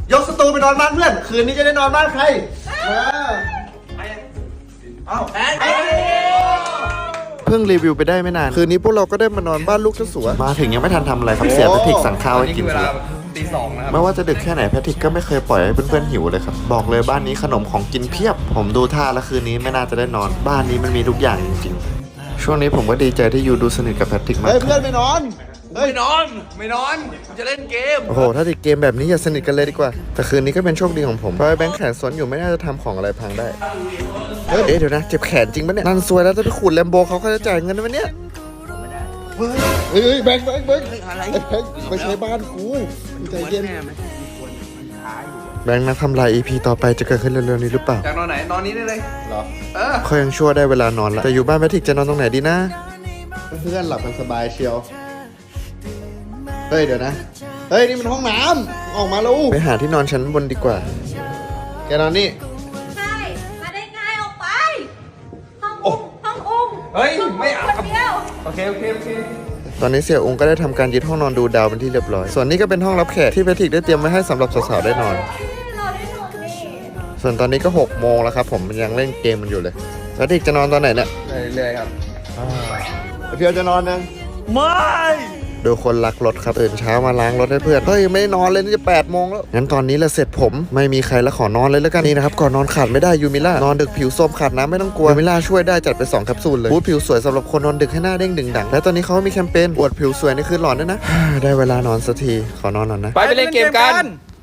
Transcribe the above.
ยกสตูไปนอนบ้านเพื่อนคืนนี้จะได้นอนบ้านใครเพิ่งรีวิวไปได้ไม่นานคืนนี้พวกเราก็ได้มานอนบ้านลูกเจ้าสัวมาถึงยังไม่ทันทำอะไรครับเสียแพทริกสั่งข้าวให้กินซะแล้วตี 2นะครับไม่ว่าจะดึกแค่ไหนแพทริกก็ไม่เคยปล่อยให้เพื่อนๆหิวเลยครับบอกเลยบ้านนี้ขนมของกินเพียบผมดูท่าแล้วคืนนี้ไม่น่าจะได้นอนบ้านนี้มันมีทุกอย่างจริงๆช่วงนี้ผมก็ดีใจที่ยูดูสนิทกับแพทริกมากเพื่อนไม่นอนไม่นอนจะเล่นเกมโอ้โหถ้าติดเกมแบบนี้อย่าสนิทกันเลยดีกว่าแต่คืนนี้ก็เป็นโชคดีของผมเพราะแบงค์แขนซ้อนอยู่ไม่น่าจะทำของอะไรพังได้เดี๋ยวนะเจ็บแขนจริงปะเนี่ยนั่นซวยแล้วจะไปขูดแลมโบเขาจะจ่ายเงินไหมเนี่ยเฮ้ยแบงค์อะไรไปใช้บ้านกูใจเย็นแบงค์นะทำลาย EP ต่อไปจะเกิดขึ้นเร็วๆนี้หรือเปล่าจากนอนไหนนอนนี้ได้เลยหรอเขายังชั่วได้เวลานอนแล้วแต่อยู่บ้านแพทริกจะนอนตรงไหนดีนะเพื่อนหลับกันสบายเชียวเฮ้ยเดี๋ยวนะเฮ้ยนี่มันห้องน้ำออกมาแล้วไปหาที่นอนชั้นบนดีกว่าแกนอนนี่ใช่มาได้ไงออกไปห้องอุ้งเฮ้ยไม่เอาคนเดียวโอเคตอนนี้เสี่ยองค์ก็ได้ทำการยึดห้องนอนดูดาวเป็นที่เรียบร้อยส่วนนี้ก็เป็นห้องรับแขกที่แพทริกได้เตรียมไว้ให้สำหรับสาวๆได้นอนเราได้นอนนี่ส่วนตอนนี้ก็6 โมงแล้วครับผมยังเล่นเกมมันอยู่เลยแพทริกจะนอนตอนไหนเนี่ยเรื่อยๆครับเพียวจะนอนยังไม่ดูคนรักรถครับตื่นเช้ามาล้างรถให้เพื่อนเฮ้ยไม่ได้นอนเลยนี่จะ8 โมงแล้วงั้นตอนนี้ละเสร็จผมไม่มีใครแล้วขอนอนเลยแล้วกันนี่นะครับก่อนนอนขาดไม่ได้ยูมิล่านอนดึกผิวส้มขาดน้ำไม่ต้องกลัวยูมิล่าช่วยได้จัดไป2 แคปซูลเลยบูทผิวสวยสำหรับคนนอนดึกให้หน้าเด้งดึงดังและตอนนี้เขามีแคมเปญอวดผิวสวยในคืนหลอนด้วยนะได้เวลานอนสักทีขอนอนหน่อยนะไปเล่นเกมกัน